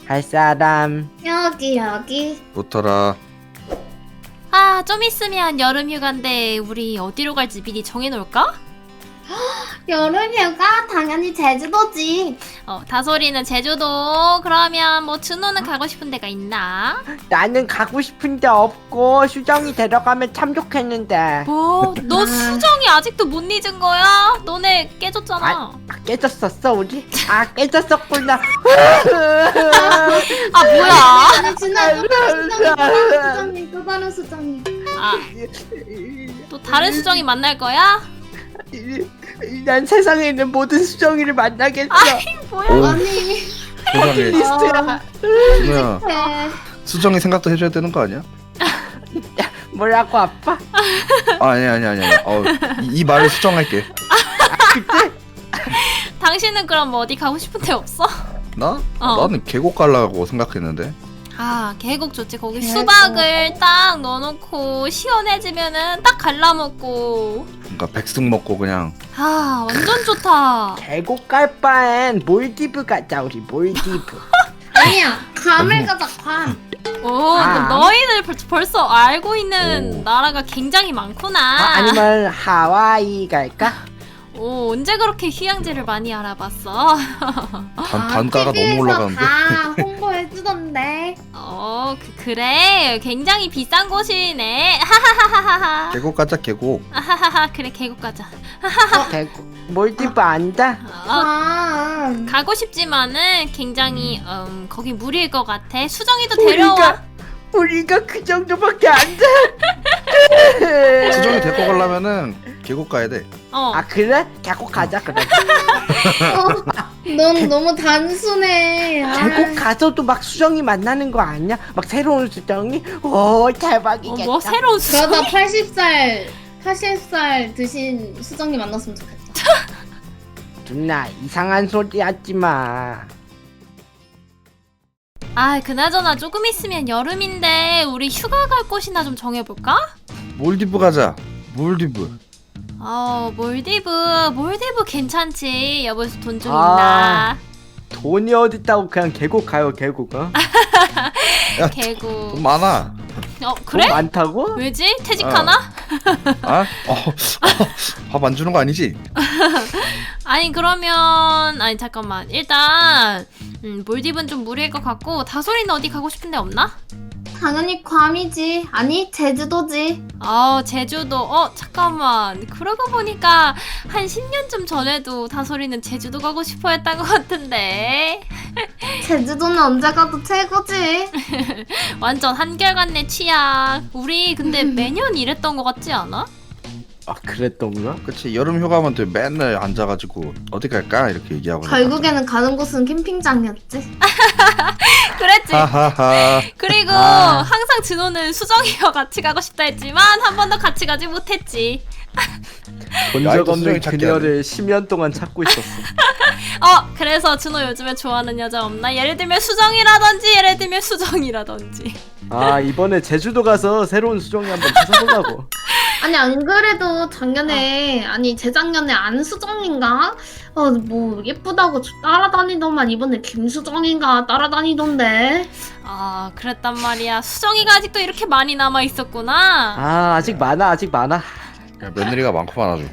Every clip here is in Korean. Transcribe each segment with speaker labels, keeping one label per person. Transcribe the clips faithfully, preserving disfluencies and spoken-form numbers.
Speaker 1: 갈 사람.
Speaker 2: 여기 여기.
Speaker 3: 붙어라.
Speaker 4: 아, 좀 있으면 여름 휴가인데 우리 어디로 갈지 미리 정해놓을까?
Speaker 2: 여름휴가 당연히 제주도지.
Speaker 4: 어, 다솔이는 제주도. 그러면 뭐 준호는 가고 싶은 데가 있나?
Speaker 1: 나는 가고 싶은데 없고 수정이 데려가면 참 좋겠는데.
Speaker 4: 뭐? 너 수정이 아직도 못 잊은 거야? 너네 깨졌잖아.
Speaker 1: 아, 아, 깨졌었어 우리? 아 깨졌었구나.
Speaker 4: 아, 뭐야?
Speaker 2: 아니 진짜 또 다른 수정이 또 다른 수정이 또 다른 수정이.
Speaker 4: 아, 또 다른 수정이 만날 거야?
Speaker 1: 난 세상에 있는 모든 수정이를 만나겠어.
Speaker 4: 아이, 뭐야?
Speaker 3: 오,
Speaker 2: 아니.
Speaker 3: 세상에.
Speaker 1: 리스트야.
Speaker 3: 준호야,
Speaker 2: 네.
Speaker 3: 수정이 생각도 해줘야 되는 거 아니야?
Speaker 1: 뭐라고 아빠?
Speaker 3: 아, 아니 아니 아니 아니. 어, 이, 이 말을 수정할게.
Speaker 1: 그때?
Speaker 4: 당신은 그럼 뭐 어디 가고 싶은 데 없어?
Speaker 3: 나?
Speaker 4: 어.
Speaker 3: 나는 계곡 가려고 생각했는데.
Speaker 4: 아, 계곡 좋지. 거기
Speaker 2: 계곡.
Speaker 4: 수박을 딱 넣어놓고 시원해지면은 딱 갈라먹고.
Speaker 3: 그러니까 백숙 먹고 그냥.
Speaker 4: 아, 완전 좋다.
Speaker 1: 계곡 갈 바엔 몰디브 가자 우리 몰디브.
Speaker 2: 아니야. 괌을 가자 괌.
Speaker 4: 오,
Speaker 1: 아.
Speaker 4: 너희들 벌, 벌써 알고 있는
Speaker 3: 오.
Speaker 4: 나라가 굉장히 많구나.
Speaker 1: 아, 아니면 하와이 갈까?
Speaker 4: 오, 언제 그렇게 휴양지를 많이 알아봤어?
Speaker 3: 단, 단가가 너무 올라가는데.
Speaker 2: 다 홍보해주던데.
Speaker 4: 어, 그, 그래. 굉장히 비싼 곳이네. 하하하하하.
Speaker 3: 계곡 가자 계곡.
Speaker 4: 하하하. 그래, 계곡 가자.
Speaker 1: 계곡 몰디브 안다?
Speaker 4: 어,
Speaker 2: 괌.
Speaker 4: 가고 싶지만은 굉장히 음, 거기 무리일 것 같아. 수정이도 데려와.
Speaker 1: 우리가 우리가 그 정도밖에 안 돼.
Speaker 3: 수정이 데리고 가려면은 계곡 가야 돼.
Speaker 4: 어.
Speaker 1: 아 그래? 계곡 가자 그래.
Speaker 2: 어, 넌 너무 단순해. 아.
Speaker 1: 계곡 가서도 막 수정이 만나는 거 아니야? 막 새로운 수정이? 오
Speaker 4: 어,
Speaker 1: 대박이겠다.
Speaker 4: 뭐 새로운 수정.
Speaker 2: 그러다 팔십 살 팔십 살 드신 수정이 만났으면 좋겠다.
Speaker 1: 누나 이상한 소리 하지 마.
Speaker 4: 아, 그나저나 조금 있으면 여름인데 우리 휴가 갈 곳이나 좀 정해볼까?
Speaker 3: 몰디브 가자. 몰디브.
Speaker 4: 어, 몰디브. 몰디브 괜찮지. 여보서 돈 좀
Speaker 1: 아.
Speaker 4: 있나?
Speaker 1: 돈이 어딨다고 그냥 계곡 가요 계곡. 어?
Speaker 3: 야,
Speaker 4: 계곡.
Speaker 3: 돈 많아.
Speaker 4: 어,
Speaker 1: 돈
Speaker 4: 그래?
Speaker 1: 많다고?
Speaker 4: 왜지? 퇴직하나?
Speaker 3: 아? 어, 어, 밥 안 주는 거 아니지?
Speaker 4: 아니, 그러면 아니 잠깐만. 일단 음, 몰디브는 좀 무리일 것 같고 다솔이는 어디 가고 싶은 데 없나?
Speaker 2: 당연히 괌이지. 아니 제주도지.
Speaker 4: 어, 제주도. 어, 잠깐만. 그러고 보니까 한 십 년쯤 전에도 다솔이는 제주도 가고 싶어 했던 것 같은데.
Speaker 2: 제주도는 언제 가도 최고지.
Speaker 4: 완전 한결같네, 취향. 우리 근데 매년 이랬던 것 같지 않아?
Speaker 1: 아 그랬던가?
Speaker 3: 그치, 여름 휴가면 또 맨날 앉아가지고 어디 갈까 이렇게 얘기하고.
Speaker 2: 결국에는 가는 곳은 캠핑장이었지.
Speaker 4: 그랬지.
Speaker 3: 하하하.
Speaker 4: 그리고
Speaker 1: 아.
Speaker 4: 항상 진호는 수정이와 같이 가고 싶다 했지만 한 번도 같이 가지 못했지.
Speaker 1: 본
Speaker 3: 야,
Speaker 1: 적
Speaker 3: 이거
Speaker 1: 없는
Speaker 3: 수정이 찾기
Speaker 1: 그녀를 십 년 동안 찾고 있었어.
Speaker 4: 어, 그래서 준호 요즘에 좋아하는 여자 없나? 예를 들면 수정이라든지 예를 들면 수정이라든지.
Speaker 1: 아 이번에 제주도 가서 새로운 수정이 한번 찾아보려고.
Speaker 2: 아니 안 그래도 작년에 아니 재작년에 안수정인가? 어 뭐 예쁘다고 따라다니더만 이번에 김수정인가 따라다니던데.
Speaker 4: 아, 그랬단 말이야. 수정이가 아직도 이렇게 많이 남아 있었구나.
Speaker 1: 아 아직 많아 아직 많아.
Speaker 3: 야, 며느리가 많구만 아주.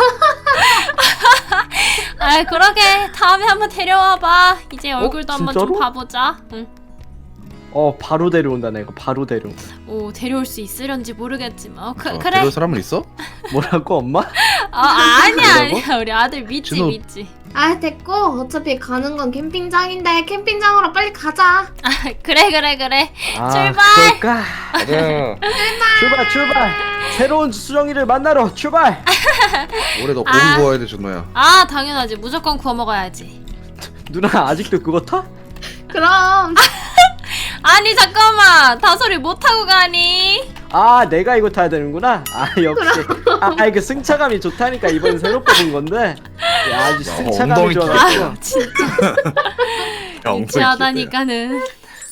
Speaker 4: 아, 그러게. 다음에 한번 데려와봐. 이제 얼굴도 한번 좀
Speaker 1: 진짜로?
Speaker 4: 봐보자. 응.
Speaker 1: 어 바로 데려온다 내가 바로 데려온다.
Speaker 4: 오, 데려올 수 있으련지 모르겠지만. 어, 그,
Speaker 3: 어,
Speaker 4: 그래.
Speaker 3: 데려올 사람은 있어?
Speaker 1: 뭐라고 엄마?
Speaker 4: 아, 아니야,
Speaker 1: 뭐라고?
Speaker 4: 아니야. 우리 아들 믿지,
Speaker 3: 준호.
Speaker 4: 믿지.
Speaker 2: 아 됐고 어차피 가는 건 캠핑장인데 캠핑장으로 빨리 가자.
Speaker 4: 아, 그래, 그래, 그래.
Speaker 1: 아,
Speaker 4: 출발!
Speaker 1: 그럴까?
Speaker 3: 가자.
Speaker 1: 출발 출발. 새로운 수정이를 만나러 출발.
Speaker 3: 올해 너 고기
Speaker 4: 아.
Speaker 3: 구워야 돼, 준호야.
Speaker 4: 아, 당연하지. 무조건 구워 먹어야지.
Speaker 1: 누나 아직도 그거 타?
Speaker 2: 그럼
Speaker 4: 아니, 잠깐만. 다솔이 못 타고 가니?
Speaker 1: 아 내가 이거 타야 되는구나. 아 역시. 아 이거 승차감이 좋다니까 이번 새로 뽑은 건데. 야 아주
Speaker 3: 야,
Speaker 1: 승차감이
Speaker 3: 엉덩이
Speaker 1: 좋아가지고.
Speaker 4: 아, 진짜. 유치하다니까는.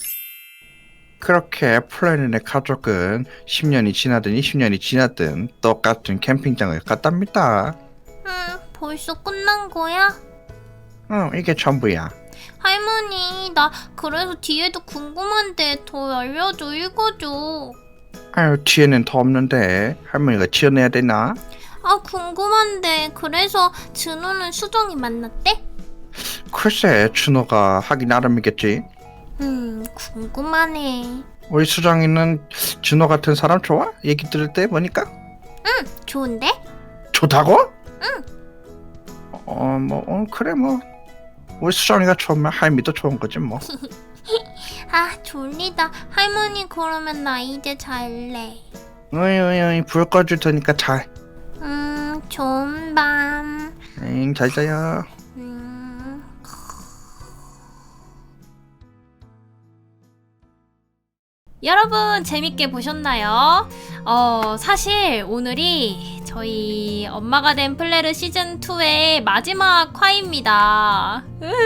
Speaker 3: 그렇게 플래닛의 가족은 십 년이 지나든 이십 년이 지났든 똑같은 캠핑장을 갔답니다.
Speaker 4: 응, 벌써 끝난 거야?
Speaker 3: 응, 이게 전부야.
Speaker 4: 할머니, 나 그래서 뒤에도 궁금한데 더 알려줘, 읽어줘.
Speaker 3: 아유, 뒤에는 더 없는데 할머니가 지어내야 되나?
Speaker 4: 아, 궁금한데 그래서 준호는 수정이 만났대?
Speaker 3: 글쎄, 준호가 하기 나름이겠지.
Speaker 4: 음, 궁금하네.
Speaker 3: 우리 수정이는 준호 같은 사람 좋아? 얘기 들을 때 보니까
Speaker 4: 좋은데?
Speaker 3: 좋다고? 응. 어, 뭐 어, 그래 뭐 우리 수정이가 좋으면 할미도 좋은 거지 뭐.
Speaker 4: 아, 졸리다. 할머니 그러면 나 이제 잘래.
Speaker 3: 어이 어이 어이 불 꺼줄 테니까 잘.
Speaker 4: 음, 좋은 밤.
Speaker 3: 응, 잘 자요.
Speaker 4: 음. 여러분 재밌게 보셨나요? 어, 사실 오늘이 저희 엄마가 된 플레르 시즌이의 마지막 화입니다.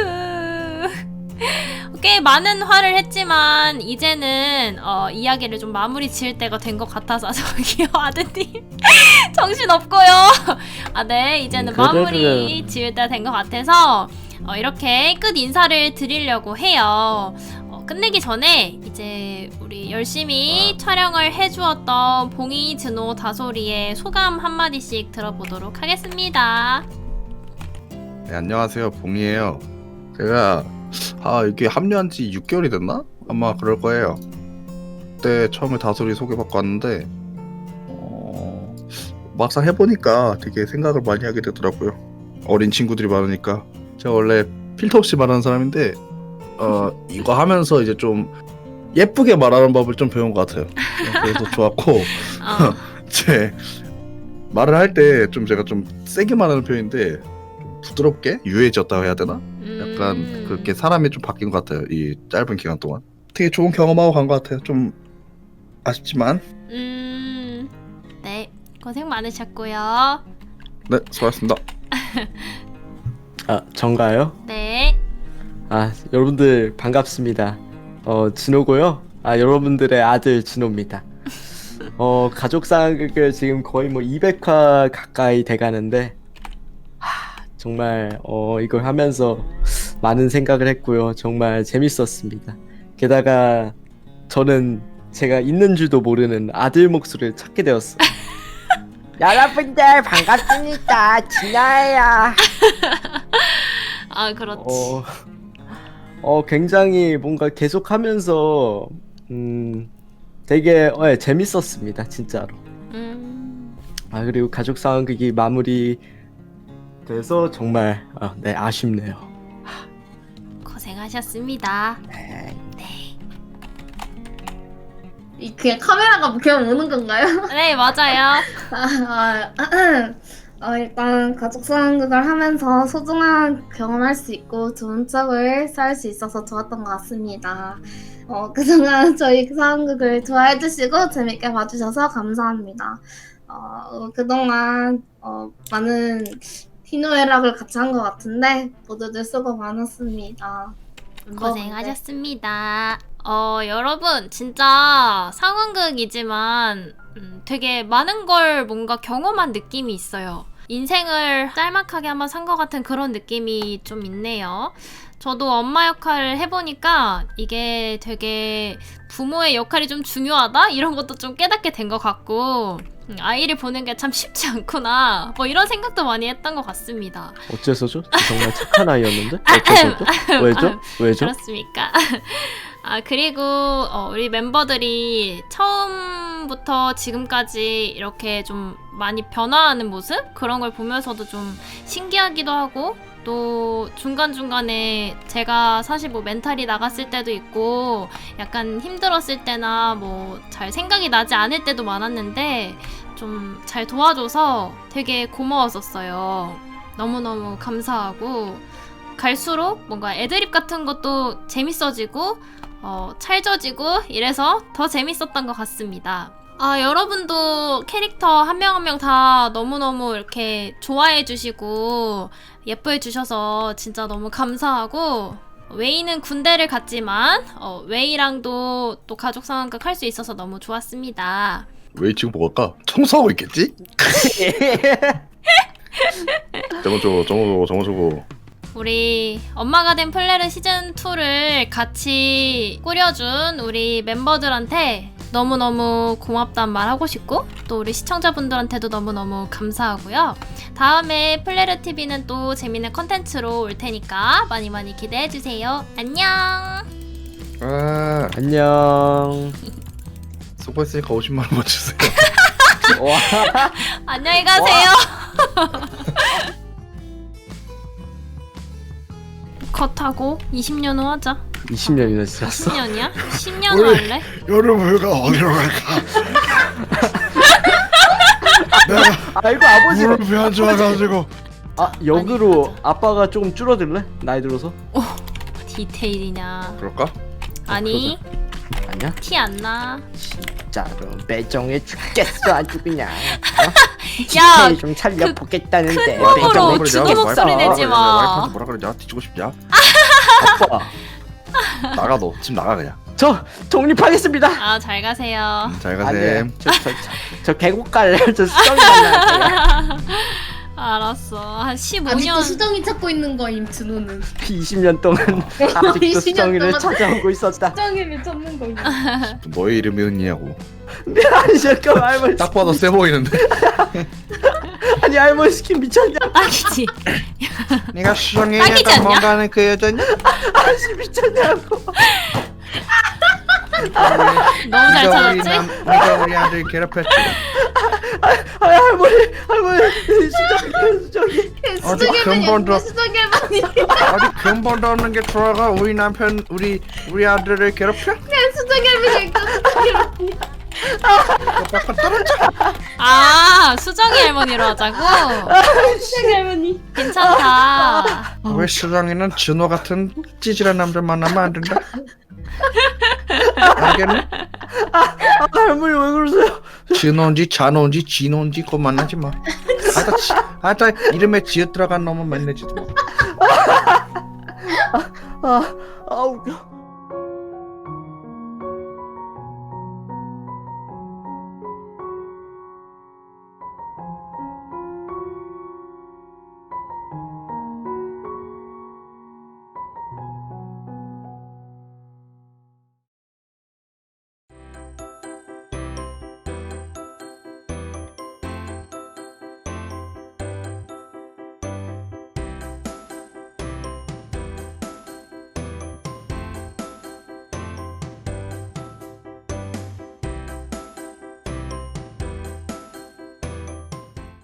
Speaker 4: 꽤 많은 화를 했지만 이제는 어, 이야기를 좀 마무리 지을 때가 된 것 같아서 저기요 아드님 정신 없고요. 아, 네, 이제는
Speaker 1: 그래도-
Speaker 4: 마무리 지을 때가 된 것 같아서 어, 이렇게 끝 인사를 드리려고 해요. 어, 끝내기 전에 이제 우리 열심히 촬영을 해주었던 봉이, 준호, 다솔이의 소감 한마디씩 들어보도록 하겠습니다.
Speaker 3: 네, 안녕하세요, 봉이에요. 제가 아 이게 합류한 지 육 개월이 됐나? 아마 그럴 거예요. 그때 처음에 다솔이 소개받고 왔는데 어, 막상 해보니까 되게 생각을 많이 하게 되더라고요. 어린 친구들이 많으니까. 제가 원래 필터 없이 말하는 사람인데 어 이거 하면서 이제 좀 예쁘게 말하는 법을 좀 배운 것 같아요. 그래서 좋았고
Speaker 4: 어,
Speaker 3: 제 말을 할 때 좀 제가 좀 세게 말하는 편인데 좀 부드럽게 유해졌다고 해야 되나? 약간
Speaker 4: 음.
Speaker 3: 그렇게 사람이 좀 바뀐 것 같아요. 이 짧은 기간 동안 되게 좋은 경험하고 간 것 같아요. 좀 아쉽지만
Speaker 4: 음, 네, 고생 많으셨고요.
Speaker 3: 네, 수고하셨습니다.
Speaker 1: 아, 전가요?
Speaker 4: 네.
Speaker 1: 아, 여러분들 반갑습니다. 어, 진호고요. 아, 여러분들의 아들 진호입니다. 어, 가족 상황극을 지금 거의 뭐 이백 화 가까이 돼가는데 하, 정말 어, 이걸 하면서 많은 생각을 했고요. 정말 재밌었습니다. 게다가 저는 제가 있는 줄도 모르는 아들 목소리를 찾게 되었어요. 여러분들 반갑습니다. 진호예요.
Speaker 4: 아, 그렇지.
Speaker 1: 어, 어 굉장히 뭔가 계속하면서 음 되게 어, 예, 재밌었습니다 진짜로.
Speaker 4: 음,
Speaker 1: 아 그리고 가족 상황극이 마무리 돼서 정말 어, 네 아쉽네요.
Speaker 4: 고생하셨습니다.
Speaker 1: 네.
Speaker 2: 이 그냥 카메라가 그냥 오는 건가요?
Speaker 4: 네, 맞아요.
Speaker 2: 아, 아, 어, 일단 가족 상황극을 하면서 소중한 경험할 수 있고 좋은 추억을 쌓을 수 있어서 좋았던 것 같습니다. 어, 그동안 저희 상황극을 좋아해 주시고 재밌게 봐주셔서 감사합니다. 어, 어, 그동안 어, 많은 희노애락을 같이 한 것 같은데 모두들 수고 많았습니다.
Speaker 4: 고생하셨습니다. 어, 여러분, 진짜 상황극이지만 음, 되게 많은 걸 뭔가 경험한 느낌이 있어요. 인생을 짤막하게 한번 산 것 같은 그런 느낌이 좀 있네요. 저도 엄마 역할을 해보니까 이게 되게 부모의 역할이 좀 중요하다? 이런 것도 좀 깨닫게 된 것 같고 음, 아이를 보는 게 참 쉽지 않구나 뭐 이런 생각도 많이 했던 것 같습니다.
Speaker 1: 어째서죠? 저 정말 착한 아이였는데 어째서죠? 왜죠? 왜죠?
Speaker 4: 그렇습니까? 아, 그리고 어, 우리 멤버들이 처음부터 지금까지 이렇게 좀 많이 변화하는 모습? 그런 걸 보면서도 좀 신기하기도 하고 또 중간중간에 제가 사실 뭐 멘탈이 나갔을 때도 있고 약간 힘들었을 때나 뭐 잘 생각이 나지 않을 때도 많았는데 좀 잘 도와줘서 되게 고마웠었어요. 너무너무 감사하고 갈수록 뭔가 애드립 같은 것도 재밌어지고 어, 찰져지고 이래서 더 재밌었던 것 같습니다. 아, 여러분도 캐릭터 한 명 한 명 다 너무너무 이렇게 좋아해 주시고 예뻐해 주셔서 진짜 너무 감사하고 웨이는 군대를 갔지만 어, 웨이랑도 또 가족 상황극 할 수 있어서 너무 좋았습니다.
Speaker 3: 왜 지금 뭐 할까? 청소하고 있겠지? 저거 저거 저거 저거 저거 저거
Speaker 4: 우리 엄마가 된 플레르 시즌이를 같이 꾸려준 우리 멤버들한테 너무너무 고맙단 말 하고 싶고 또 우리 시청자분들한테도 너무너무 감사하고요. 다음에 플레르티비는 또 재밌는 컨텐츠로 올 테니까 많이 많이 기대해주세요. 안녕.
Speaker 3: 아,
Speaker 1: 안녕.
Speaker 3: 수고했으니까 오십만 원만 주세요.
Speaker 1: 와.
Speaker 4: 안녕히 가세요. 컷하고 이십 년 후 하자.
Speaker 1: 이십 년이나 지났어.
Speaker 4: 이십 년이야? 십 년 후 할래?
Speaker 3: 여름휴가 어디로 갈까? 내가
Speaker 1: 아이고 아버지.
Speaker 3: 무릎이 안 좋아가지고.
Speaker 1: 아 역으로 아빠가 조금 줄어들래? 나이 들어서?
Speaker 4: 디테일이냐?
Speaker 3: 그럴까?
Speaker 4: 아니
Speaker 1: 아니야?
Speaker 4: 티 안 나.
Speaker 1: 진짜로 매정해 죽겠어 아주 그냥.
Speaker 4: 야,
Speaker 1: 좀 살려보겠다는데
Speaker 4: 큰 놈으로
Speaker 1: 매정해
Speaker 4: 주먹
Speaker 1: 죽겠어.
Speaker 4: 목소리 내지 마.
Speaker 3: 와이프한테 뭐라 그러냐? 뒤지고 싶냐?
Speaker 1: 아빠
Speaker 3: 나가 너. 집 나가 그냥.
Speaker 1: 저 독립하겠습니다.
Speaker 4: 아, 잘 가세요.
Speaker 3: 음, 잘
Speaker 1: 아니에요.
Speaker 3: 가셈.
Speaker 1: 저, 저, 저, 저 계곡 갈래. 저 수정이 갈래.
Speaker 4: 알았어. 한 십오 년.
Speaker 2: 아직도 수정이 찾고 있는 거임 준호는.
Speaker 1: 이십 년 동안 아직도
Speaker 2: 이십 년
Speaker 1: 수정이를
Speaker 2: 동안
Speaker 1: 찾아오고 있었다.
Speaker 2: 수정이를 찾는 거임.
Speaker 3: 너의 이름이 은이냐고.
Speaker 1: 아니 잠깐 할머니.
Speaker 3: 딱 봐도 세 보이는데.
Speaker 1: 아니 할머니 스킨 미쳤냐?
Speaker 4: 딱이지.
Speaker 3: 네가 수정이
Speaker 4: 딱이지
Speaker 3: 약간
Speaker 4: 않냐?
Speaker 3: 뭔가 하는 그 여자냐?
Speaker 1: 아씨 미쳤냐고.
Speaker 4: 너무 잘
Speaker 3: 네가 우리
Speaker 4: 찾았지?
Speaker 3: 남, 네가 우리 아들 괴롭혔지.
Speaker 1: 아 할머니 할머니 수정이 수정이.
Speaker 3: 어디
Speaker 2: 수정이는
Speaker 3: 근본도
Speaker 2: 예쁜 수정이 할머니.
Speaker 3: 어디 근본도 없는 게 들어가 우리 남편 우리 우리 아들을 괴롭혀?
Speaker 2: 수정이 할머니 수정이 할머니.
Speaker 3: 그거 떨어져.
Speaker 4: 아, 수정이 할머니로 하자고?
Speaker 2: 수정이 할머니.
Speaker 4: 괜찮다.
Speaker 3: 왜 수정이는 준호 같은 찌질한 남자 만나면 안 된다? 알겠네?
Speaker 1: 아 할머니 왜 그러세요?
Speaker 3: 준호인지 잔호인지 진호인지 그거 만나지 마. 아따 지, 아따 이름에 지읒 들어간 놈은 만나지도 마.
Speaker 1: 아, 아 웃겨.